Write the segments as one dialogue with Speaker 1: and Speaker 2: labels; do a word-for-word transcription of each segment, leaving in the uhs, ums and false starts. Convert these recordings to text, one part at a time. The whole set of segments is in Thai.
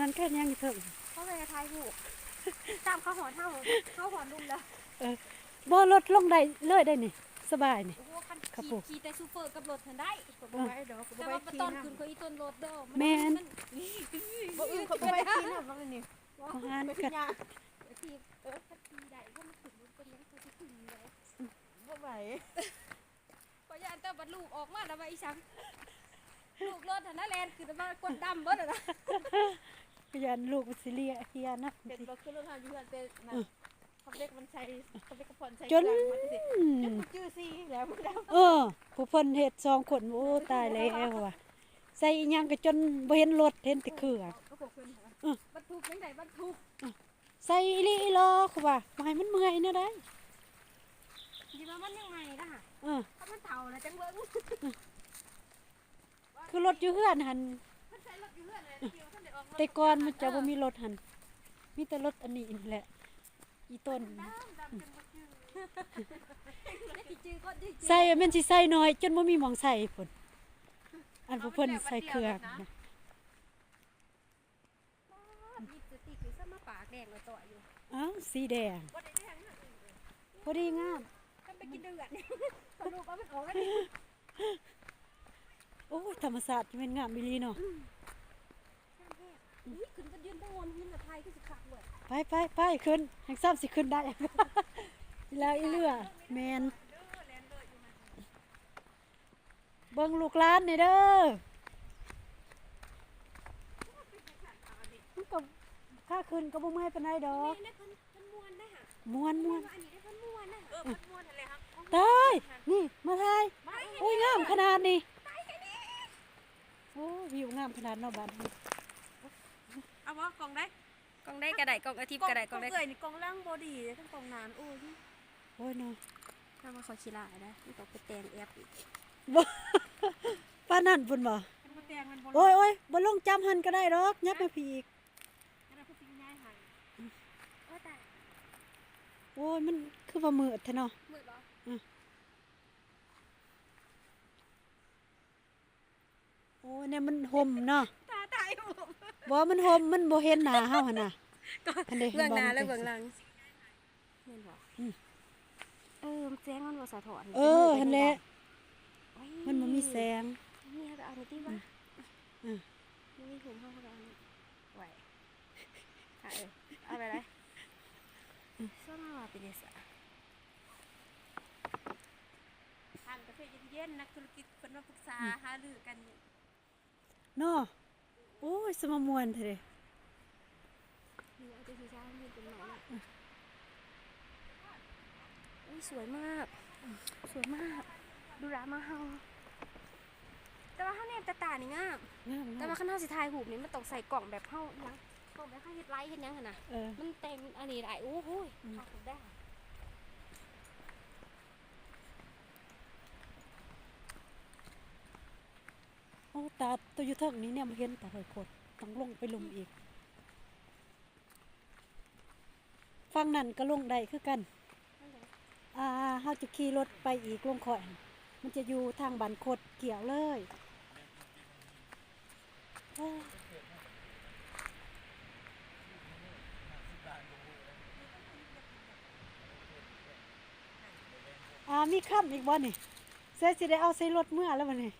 Speaker 1: นั้นแค่ยังอยู่เถอะ
Speaker 2: เขาไปทายถูกตามเขาหอนเท่าเขาหอนลุงแล้ว
Speaker 1: เออบ่รถลงได้เลยได้นี่สบายนี่
Speaker 2: โอ้โหคันขี่ขี่แต่ซูเปอร์กับรถทันได้แต่ว่าตอนคืนเขาอีต้นรถเด้อ
Speaker 1: แม่น
Speaker 2: บ่อื่นเขาไปขี่น้ำแล้วนี่
Speaker 1: บ่หานกัด
Speaker 2: ทีเออคันขี่ได้ก็มันขึ้นรถเป็นยังเขาจะขึ้นเลย
Speaker 3: บ่ไหว
Speaker 2: พอยานแต่บัดลูกออกมาแล้วว่าอีสังลูกรถทันนั่นแลนคือมากดดำเบิดน่ะ
Speaker 1: พยานลูกสิเลียเฮียนะ
Speaker 3: เด็กบ่คือรถทางอยู่เฮือนเป็นน่ะเขาเด็กมันใช้เขาเด็กกระพรใช้
Speaker 1: จน
Speaker 3: จื้อซี่แล้วบ่ได้
Speaker 1: เออผู้เพิ่นเฮ็ดสองคนโอ้ตายแล้วว่ะใส่อีหยังก็จนบ่เห็นรถเห็นแต่เครื่อง
Speaker 2: เออบรรทุกจังได๋บรรทุก
Speaker 1: ใส่อีหลีอีหลอคือว่าบ่ให้มันเมื่อยแนวใด
Speaker 2: สิว่ามันยังไงล่ะฮะ
Speaker 1: เออ
Speaker 2: ถ้ามันเฒ่าแล้วจังเบิ่ง
Speaker 1: คือรถอยู่เฮือนหั่นแต่ก่อนมันจะบ่มีรถหั่นมีแต่รถอันนี้นี่แหละอีต้นใส่แม่นสิใส่น้อยจนบ่มีหม่องใส่พุ่นอันผู้เพิ่นใส่เครื่องนะ
Speaker 2: มีสติคือซะมาปากแดงเลยต่ออยู่
Speaker 1: อ้าวสีแดงพอดีงาม
Speaker 2: ทำไปกินเดือดสรุปว่ามันออกแล้วนี่
Speaker 1: โอ้ยธรรมศาสตร์เป็นงามอีหลีเนาะ
Speaker 2: อุ้ยขึ้นก็ยืนไปวนหินกับไทยก็สิคักเว้ย
Speaker 1: ไปไปไปขึ้นแห่งซ้ำสิขึ้นได้แล้วอีเลือแมนเบิ่งลูกหลานนี่เด้อมันก็ค่าขึ้นก็บ่เมื่อยปานใดดอกม่วนม่วนตายนี่มาทายโอ้ยงามขนาดนี้โอ้วิวงามขนาดเนาะบ้านนี้
Speaker 2: เอาบ่กล่องได้กล่องได้กระไดกล่องอาทิตย์กระไดกล่องได้
Speaker 3: เอ้ยนี่กล่องล่างบ่ดีทั้งกล่องนานโอ้ย
Speaker 1: โอ้ยเนาะ
Speaker 2: ถ้ามาขอขี้ลาได้นี่ต้องไปแต่งแอปอีก
Speaker 1: บ่ป้านั่นพุ่นบ่โอ้ยโอ้ยบ่ลงจำหันก็ได้ดอกยับมาพี่อีกโอ้ยมันคือว่ามืดแท้เนาะ
Speaker 2: มืดบ่
Speaker 1: โอ้ยเนี่ยมันห่มเนาะ
Speaker 2: ตาตายห่ม
Speaker 1: บ่มันห่มมันบ่เห็นหน้าเฮาหั่นน่ะ
Speaker 2: เบื้องหน้าและเบื้องหลังแม่นบ่เออแสงมันบ่สะท้อน
Speaker 1: เออหั่นแหละมันบ่มีแสง
Speaker 2: นี่เฮาก็เอานี่ติว่าอือนี่ห่มเฮาก็เอานี่ไว้ค่ะเออเอาไปเลยซ่อมมาเป็นเสะทางกาแฟเย็นๆนักธุรกิจคนมาปรึกษาหารือกัน
Speaker 1: เนาะโอ้ยสมมวนเถอะ
Speaker 2: นี่เอาไปสีช้าให้เป็นหน่อยอุ้ยสวยมากสวยมากดูร้านมาเฮาแต่ว่าเฮาเนี่ยตาตานี่งามแต่ว่าข้างนอกสิถ่ายรูปนี่มันต้องใส่กล่องแบบเฮาอีหยังกล่องแบบเฮาเฮ็ดไลท์เฮ็ดหยังหั่นน่ะมันเต็มอันนี้ได้โอ้โหถ่ายรูปได้
Speaker 1: โอ้ตาตัวอยู่เทิงนี้เนี่ยมาเห็นตาหอยโคตรต้องลงไปลุมอีกฟังนั่นก็ลงได้คือกันอ่าเฮาจะขี่รถไปอีกลงข่อยมันจะอยู่ทางบ้านโคตรเกี่ยวเลยอ่ามีค่ำอีกบ่นี่เสียสิได้เอาใส่รถเมื่อแล้วบัดนี้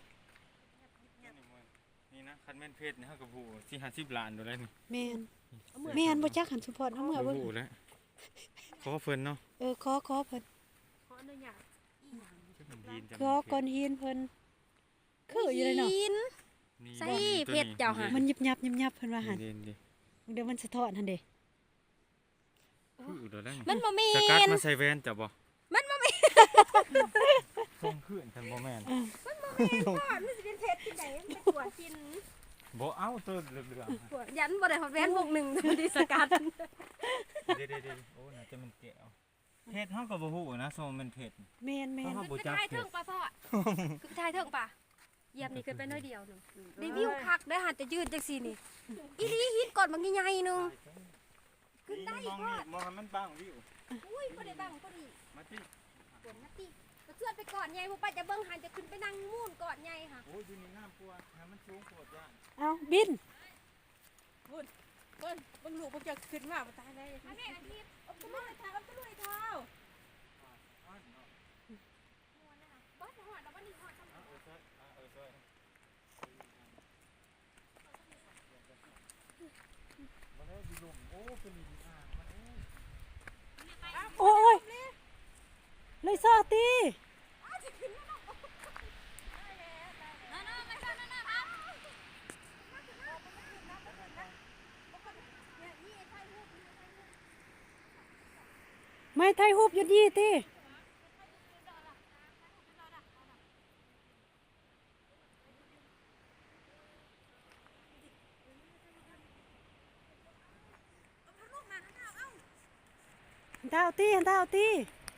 Speaker 4: นี่นะคันแม่นเพชรนี่เฮาก็ผู้สี่ห้าสิบล้านโดแล้วนี่
Speaker 1: แม่นแม่นบ่จักหันสุพรเอาเมื่อเบิ่ง
Speaker 4: ผู้แล้วขอเพิ่นเนาะ
Speaker 1: เออขอขอเพิ่น
Speaker 2: ขออนุญาต
Speaker 1: ขอก้อนหินเพิ่นคืออยู่เลยเนาะ
Speaker 2: ใส่เพชรเจ้าค่ะ
Speaker 1: มันยิบยับยิบยับเพิ่นว่าหั่นเดี๋ยวมันสะท้อนหั่นเด้
Speaker 4: คือโดแล้ว
Speaker 2: มันบ่แม่น
Speaker 4: สกัดมาใส่แว่นจ้ะบ่
Speaker 2: มันบ่แม่น
Speaker 4: ส่งคืนท่านบ่แม่น
Speaker 2: มันบ่แม่นบ่มันสิเป็นเพชรที่ใดมันไปตรวจกิน
Speaker 4: บ่เอาตัวเหลือง
Speaker 2: ๆยันบ่ได้ฮอดแว่นวงหนึ่งตัวที่สกัด
Speaker 4: เด้ๆๆโอ้น่าจะมันแก้วเพชรเฮาก็บ่ฮู้นะโซมันเพชร
Speaker 1: แม่นๆ
Speaker 2: คือทายเทิงป่ะพ่อคือทายเทิงป่ะเหยียบนี่ขึ้นไปน้อยเดียวนึงได้วิวคักได้หันแต่ยืดจังซี่นี่อีหลีฮิตก่อนบางใหญ่ๆนึงขึ้นได้อีกพ่อ
Speaker 4: มองมันบังวิว
Speaker 2: อุ้ยบ่ได้บังพอดี
Speaker 4: มาติ
Speaker 2: ฝนมาติก็เชื่อไปก่อนใหญ่บ่ไปจะเบิ่งหันจะขึ้นไปนั่งมูนก่อนใหญ่ค่ะ
Speaker 4: โอ้ยอยู่นี่น้ำปัวให้มันสูงโคตรย่าน
Speaker 1: เอาบิน
Speaker 2: พุ่น
Speaker 3: เบิ้ลเบิ้งลูกเบิ้งจะขึ้นมาบ่ตายได้
Speaker 2: อันนี้อันที่
Speaker 3: เอาตะลุยเท้าเอาตะลุยเท้า
Speaker 2: ม้วนนะคะบอสจะหอดแล้ววันนี้หอดทำไม
Speaker 4: เออใช่เออใช่มาได้ดีลมโอ้เป็นดีอ่างมันโอ้
Speaker 1: โอ้ยเลยซอตี
Speaker 2: น้าน้าไม่ใช่น้าน้าครับ
Speaker 1: ไม่ไทยฮูบอยู่นี่ติหันเท้าตีหันเท้าตี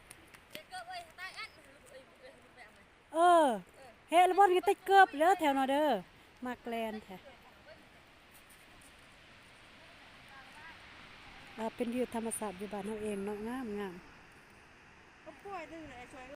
Speaker 1: เออเฮ้แล้วบอลก็ติดเกือบเด้อแถวน่ะเด้อมาแกลนแท้อ่าเป็นวิวธรรมศาสตร์อยู่บ้านเฮาเองเนาะงามงาม
Speaker 3: ก็ป่วยนึงเลยช่วย